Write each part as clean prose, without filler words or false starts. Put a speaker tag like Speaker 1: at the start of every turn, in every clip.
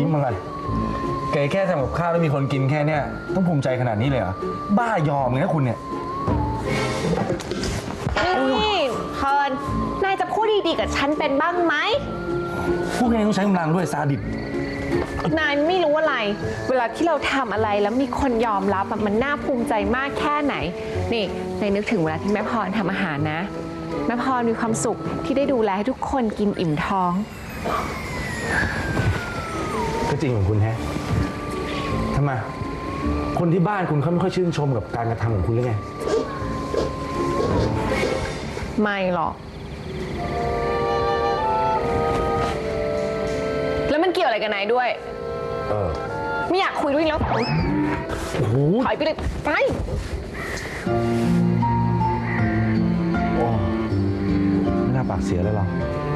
Speaker 1: อะไรแกแค่ทำกับข้าวแล้วมีคนกินแค่เนี้ยต้องภูมิใจขนาดนี้เลยเหรอบ้ายอมเลยนะคุณเนี่ย
Speaker 2: นี่เฟิร์นนายจะพูดดีๆกับฉันเป็นบ้างไหม
Speaker 1: พวกแกต้องใช้กำลังด้วยซาดิส
Speaker 2: นายไม่รู้อะไรเวลาที่เราทำอะไรแล้วมีคนยอมรับมันน่าภูมิใจมากแค่ไหนนี่นายนึกถึงเวลาที่แม่พรทำอาหารนะแม่พรมีความสุขที่ได้ดูแลให้ทุกคนกินอิ่มท้อง
Speaker 1: ก็จริงของคุณแฮะทำไมคนที่บ้านคุณเขาไม่ค่อยชื่นชมกับการกระทำของคุณหรือไง
Speaker 2: ไม่หรอกแล้วมันเกี่ยวอะไรกับนายด้วยไม่อยากคุยด้วยแล้วถอยไปเลยไป
Speaker 1: ไม่น่าปากเสียเลยหรอ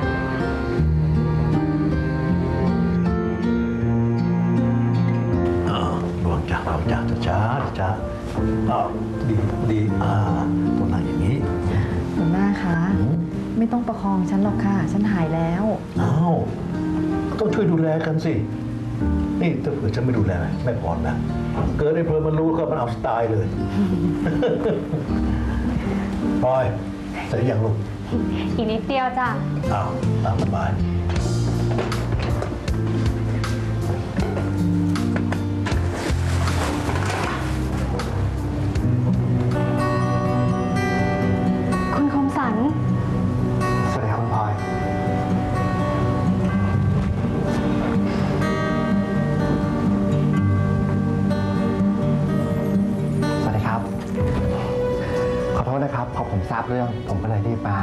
Speaker 3: ดวงจ้าช้าดีตรงนั้นอย่างนี้
Speaker 4: หัวหน้าคะไม่ต้องประคองฉันหรอกค่ะฉันหายแล้ว
Speaker 3: ต้องช่วยดูแลกันสินี่ถ้าเผื่อฉันไม่ดูแลไม่พอนะเกิดไอ้เพลินมันรู้ก็มันเอาสไตล์เลยพลอยเสร็จยังลูก
Speaker 5: อีกนิดเดียวจ้ะ
Speaker 3: ตามสบาย
Speaker 5: คุณคมสัน
Speaker 3: สวัสดีครับคุณพลอย
Speaker 6: สวัสดีครับขอโทษนะครับพอผมทราบเรื่องผมก็เลยรีบมา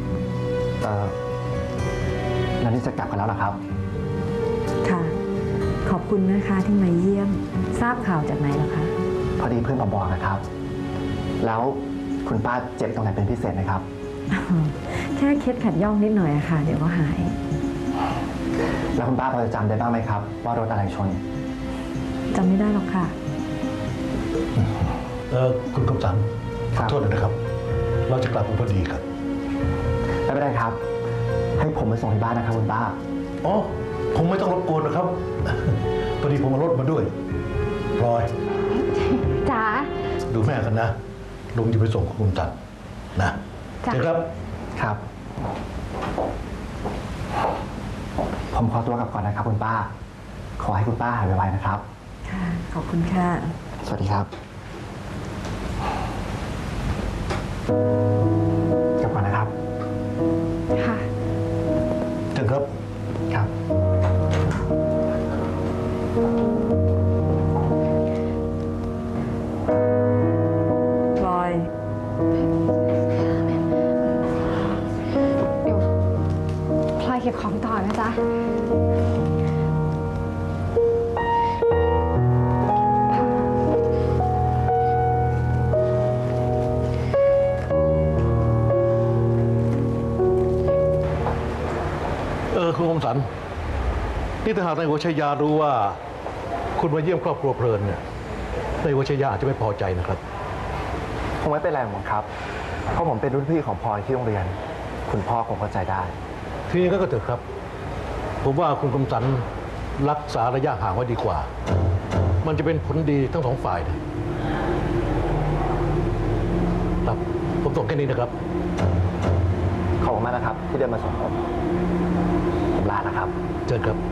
Speaker 6: แล้วนี่จะกลับกันแล้วเหรอครับ
Speaker 4: ค่ะขอบคุณนะคะที่มาเยี่ยมทราบข่าวจากไหนเหรอคะ
Speaker 6: พอดีเพื่อนมาบอกนะครับแล้วคุณป้าเจ็บตรงไหนเป็นพิเศษไหมครับ
Speaker 4: แค่เคล็ดขัดย่องนิดหน่อยอะค่ะเดี๋ยวก็หาย
Speaker 6: แล้วคุณป้าพอจะจำได้บ้างไหมครับว่ารถอะไรชน
Speaker 4: จำไม่ได้หรอกค่ะ
Speaker 3: คุณคมสันขอโทษนะครับเราจะกลับมาพอดีครับ
Speaker 6: ไม่เป็นไรครับให้ผมไปส่งที่บ้านนะครับคุณป้า
Speaker 3: ผมไม่ต้องรบกวนนะครับพอดีผมเอารถมาด้วยพลอย
Speaker 5: จ๋า
Speaker 3: ดูแม่กันนะลุงจะไปส่งคุณคมสันนะเชิญครับ
Speaker 6: ครับผมขอตัวกลับก่อนนะครับคุณป้าขอให้คุณป้าหายไวๆนะครับ
Speaker 4: ค่ะขอบคุณค่ะ
Speaker 6: สวัสดีครับกลับก่อนนะครับ
Speaker 5: ค่ะ
Speaker 3: เชิญครับ
Speaker 6: ครับ
Speaker 4: พลอย
Speaker 5: เดี๋ยวพลอยเก็บของต่อนะจ๊ะ
Speaker 3: คุณคมสันนี่ถ้าหากนายหัวชัยยารู้ว่าคุณมาเยี่ยมครอบครัวเพลินเนี่ยนายหัวชัยยาอาจจะไม่พอใจนะครับ
Speaker 6: คงไม่เป็นไรหรอกครับเพราะผมเป็นรุ่นพี่ของพลอยที่โรงเรียนคุณพ่อคงเข้าใจได้
Speaker 3: ทีนี้ก็เถอะครับผมว่าคุณคมสันรักษาระยะห่างไว้ดีกว่ามันจะเป็นผลดีทั้งสองฝ่ายนะครับผมส่งแค่นี้นะครับ
Speaker 6: ขอบคุณมากนะครับที่เดินมาส่งผมลานะครับ
Speaker 3: เชิญครับ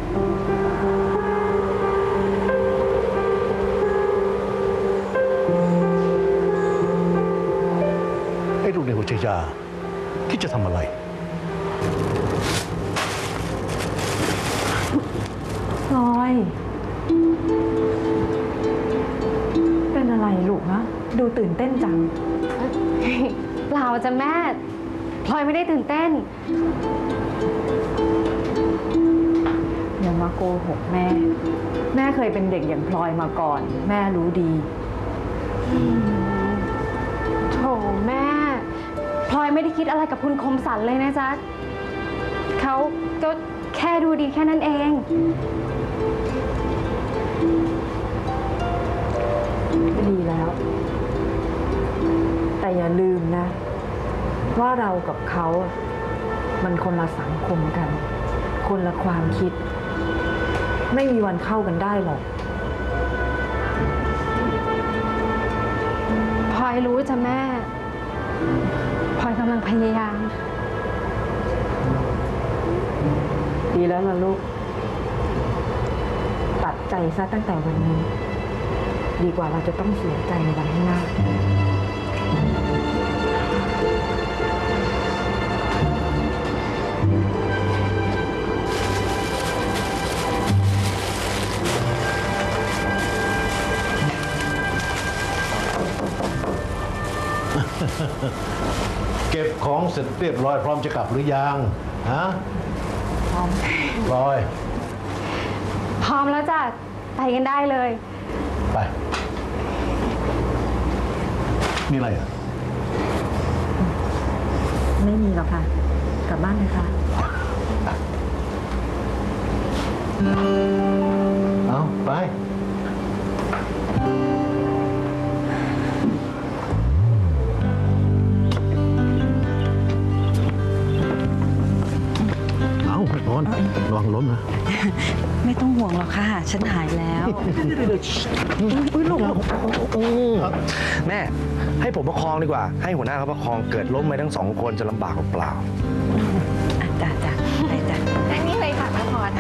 Speaker 3: ไอ้ลูกในหัวใจยาคิดจะทำอะไร
Speaker 4: พลอยเป็นอะไรลูกนะดูตื่นเต้นจัง
Speaker 5: เปล่าจ้ะแม่พลอยไม่ได้ตื่นเต้น
Speaker 4: อย่ามาโกหกแม่แม่เคยเป็นเด็กอย่างพลอยมาก่อนแม่รู้ดี
Speaker 5: โถแม่พลอยไม่ได้คิดอะไรกับคุณคมสันเลยนะจ๊ะเขาก็แค่ดูดีแค่นั้นเอง
Speaker 4: ดีแล้วแต่อย่าลืมนะว่าเรากับเขามันคนละสังคมกันคนละความคิดไม่มีวันเข้ากันได้หรอก
Speaker 5: พลอยรู้จ้ะแม่ พลอยกำลังพยายาม
Speaker 4: ดีแล้วล่ะลูก ตัดใจซะตั้งแต่วันนี้ ดีกว่าเราจะต้องเสียใจในวันข้างหน้า
Speaker 3: เก็บของเสร็จเรียบร้อยพร้อมจะกลับหรือยังฮะพร้อมลอย
Speaker 5: พร้อมแล้วจ้ะ ไปกันได้เลย
Speaker 3: ไป มีอะไรอ่ะ
Speaker 4: ไม่มีหรอกค่ะ กลับบ้านเลยค่ะ
Speaker 3: เอาไป เอาไปก่อนระวังล้มนะ
Speaker 7: ไม่ต้องห่วงหรอกค่ะ ฉันหายแล้ว
Speaker 1: แม่ ให้ผมประคองดีกว่า ให้หัวหน้าเขาประคองเกิดล้มไปทั้งสองคนจะลำบากเปล่า
Speaker 7: จ้ะจ้ะไปจ้ะ
Speaker 2: นั่งนี่เลยค่ะแม่พร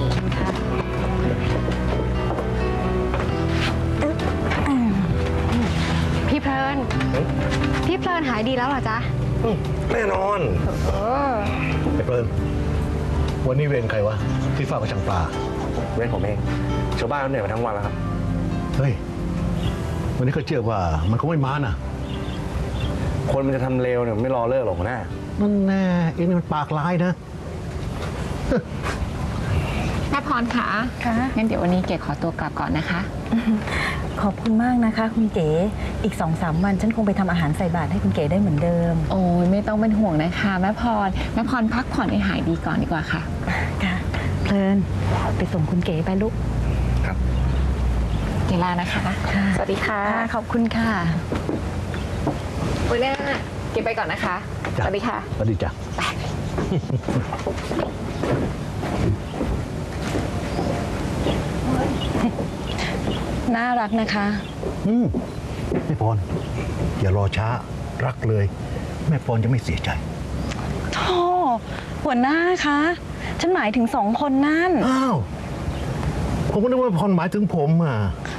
Speaker 5: พี่เพลิน พี่เพลินหายดีแล้วเหรอจ๊ะ
Speaker 1: แน่นอน
Speaker 3: ไอ้เปิลวันนี้เวรใครวะ ที่เฝ้ากระชังปลา
Speaker 1: เว้นผมเองชาวบ้านเขาเหนื่อยมาทั้งวันแล้วครับ
Speaker 3: เฮ้ย วันนี้ก็เชื่อว่ามันคงไม่มาน่ะ
Speaker 1: คนมันจะทำเลวเนี่ยไม่รอเลิกหรอกหัวหน้า
Speaker 3: นั่นแน่เองนี่มันปากร้ายนะ
Speaker 2: แม่พรคะงั้นเดี๋ยววันนี้เก๋ขอตัวกลับก่อนนะคะ
Speaker 7: ขอบคุณมากนะคะ คุณเก๋ อีก 2-3 วันฉันคงไปทำอาหารใส่บาตรให้คุณเก๋ได้เหมือนเดิม
Speaker 2: โอ้ยไม่ต้องเป็นห่วงนะคะแม่พรพักผ่อนให้หายดีก่อนดีกว่าค่ะ
Speaker 7: ค่ะ เพลิน ไปส่งคุณเก๋ไปลูก
Speaker 2: เกลานะคะ สวัสดีค่ะ
Speaker 7: ขอบคุณค่ะ
Speaker 2: วันหน้าเก็บไปก่อนนะคะ ส
Speaker 3: จ้ะ
Speaker 2: วัสดีค่ะ
Speaker 3: สวัสดีจ้ะ
Speaker 7: น่ารักนะคะ
Speaker 3: แม่ปอน อย่ารอช้า รักเลย แม่ปอนจะไม่เสียใจ
Speaker 7: โธ่หัวหน้าคะ ฉันหมายถึง2 คนนั่น
Speaker 3: อ้าว ผมก็นึกว่าพรหมายถึงผมอ่ะ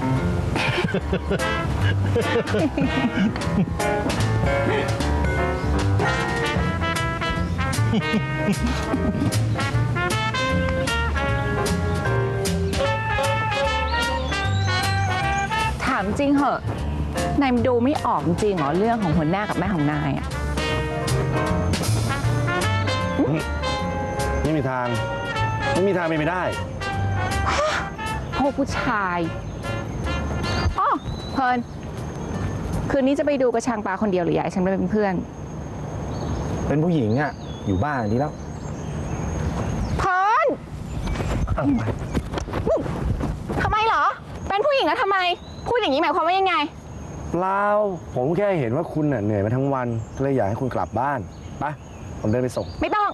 Speaker 2: ถามจริงเหอะ นายดูไม่ออกจริงเหรอเรื่องของหัวหน้ากับแม่ของนายอะ
Speaker 1: ไม่มีทาง ไม่มีทางเป็นไปได้
Speaker 2: พวกผู้ชายอ๋อเพลินคืนนี้จะไปดูกระชังปลาคนเดียวหรืออยากให้ฉันไปเป็นเพื่อน
Speaker 1: เป็นผู้หญิงอ่ะ อยู่บ้านดีแล้ว
Speaker 2: เพลินทำไมเหรอ เป็นผู้หญิงแล้วทำไม พูดอย่างนี้หมายความว่ายังไง
Speaker 1: เปล่า ผมแค่เห็นว่าคุณเหนื่อยมาทั้งวันก็เลยอยากให้คุณกลับบ้านไปผมเดินไปส่ง
Speaker 2: ไม่ต้อง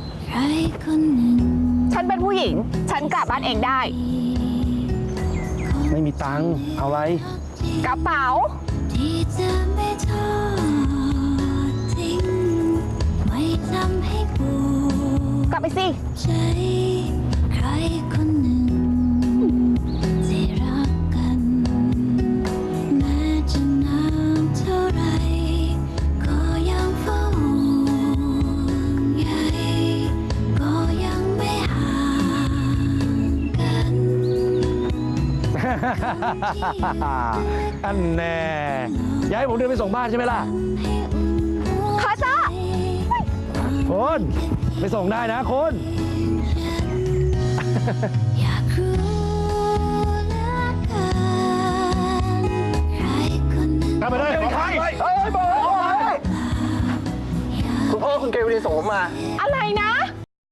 Speaker 2: ฉันเป็นผู้หญิง ฉันกลับบ้านเองได้
Speaker 1: ไม่มีตังค์เอาอะไร
Speaker 2: กระเป๋า
Speaker 8: ที่จะไม่ทอดทิ้งไม่ทำให้ปวด
Speaker 2: กลับไปสิ
Speaker 8: ใจใครคนหนึ่งที่รักกันแม้จะนานเท่าไรก็ยังเฝ้าห่วงใยก็ยังไม่ห่างกัน
Speaker 1: อันแน่อยากให้ผมเดินไปส่งบ้านใช่ไหมล่ะ
Speaker 2: ขอจ้า
Speaker 1: คุณไปส่งได้นะคุณ
Speaker 8: อยากรู้เหลือเกินใครคนหนึ่ง
Speaker 3: กลับไปเลย
Speaker 6: คุณพ่อคุณเกวดีส่งผมมา
Speaker 2: อะไรนะ